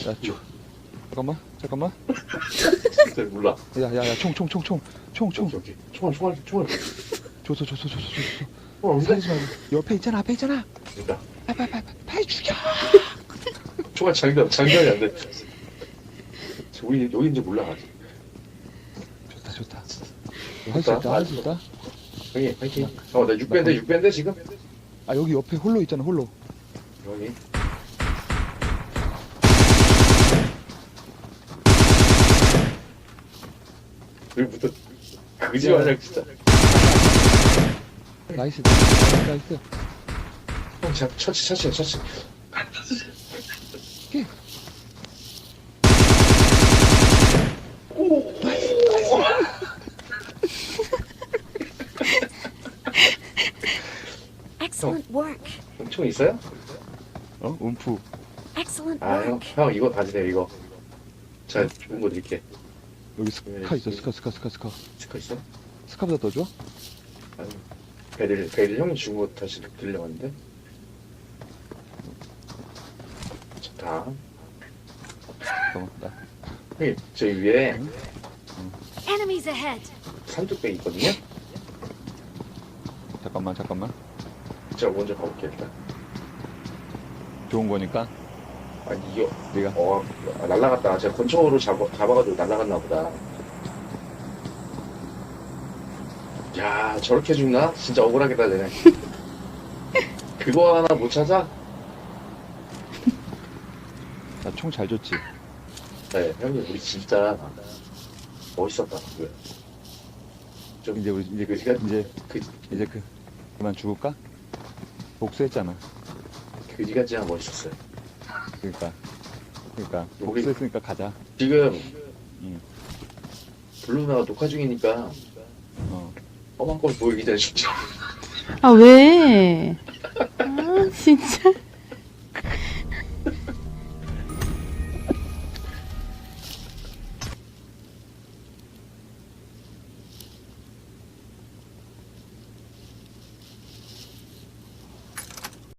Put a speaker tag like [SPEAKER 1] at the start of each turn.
[SPEAKER 1] 야, 잠깐만.
[SPEAKER 2] 진짜 몰라.
[SPEAKER 1] 야, 총.
[SPEAKER 2] 오케이, 오케이. 총알.
[SPEAKER 1] 줬어.
[SPEAKER 2] 없는데?
[SPEAKER 1] 살리지 말고. 옆에 있잖아.
[SPEAKER 2] 그러니까.
[SPEAKER 1] 빨리 죽여.
[SPEAKER 2] 총알 장전이 안 돼. 우리 여기인지 몰라, 아직.
[SPEAKER 1] 좋다. 할 수 있다.
[SPEAKER 2] 형님, 파이팅. 나 6배인데, 지금?
[SPEAKER 1] 아, 여기 옆에 홀로 있잖아, 홀로.
[SPEAKER 2] 여기. 여기부터, 그지 마냥 진짜.
[SPEAKER 1] 나이스.
[SPEAKER 2] 형, 차치.
[SPEAKER 1] 오케이.
[SPEAKER 3] Excellent work.
[SPEAKER 2] 총 있어요?
[SPEAKER 1] 움프.
[SPEAKER 3] Excellent
[SPEAKER 2] 아,
[SPEAKER 3] work.
[SPEAKER 2] 형, 이거 가지세요, 이거. 제가 좋은 거 드릴게.
[SPEAKER 1] 여기 스카 있어, 스카.
[SPEAKER 2] 스카 있어?
[SPEAKER 1] 스카보다 더 줘?
[SPEAKER 2] 아니, 베릴 형이 준 거 다시 들려왔는데? 좋다.
[SPEAKER 1] 잠깐만,
[SPEAKER 2] 형님, 저기 위에
[SPEAKER 3] Enemies ahead.
[SPEAKER 2] 산뚝배 있거든요?
[SPEAKER 1] 잠깐만.
[SPEAKER 2] 제가 먼저 가볼게요, 일단.
[SPEAKER 1] 좋은 거니까.
[SPEAKER 2] 아니, 이거,
[SPEAKER 1] 네가.
[SPEAKER 2] 날라갔다. 제가 권총으로 잡아가지고 날라갔나 보다. 야, 저렇게 죽나? 진짜 억울하겠다, 쟤네. 그거 하나 못 찾아?
[SPEAKER 1] 나 총 잘 줬지.
[SPEAKER 2] 네, 형님, 우리 진짜 멋있었다. 좀,
[SPEAKER 1] 이제 우리 그만 죽을까? 복수했잖아.
[SPEAKER 2] 그지 같지만 멋있었어요.
[SPEAKER 1] 그러니까
[SPEAKER 2] 우리-
[SPEAKER 1] 복수했으니까 가자.
[SPEAKER 2] 지금,
[SPEAKER 1] 응.
[SPEAKER 2] 블루나가 녹화 중이니까,
[SPEAKER 1] 어.
[SPEAKER 2] 험한 걸 보이기 전에 죽죠.
[SPEAKER 4] 아, 왜? 아, 진짜.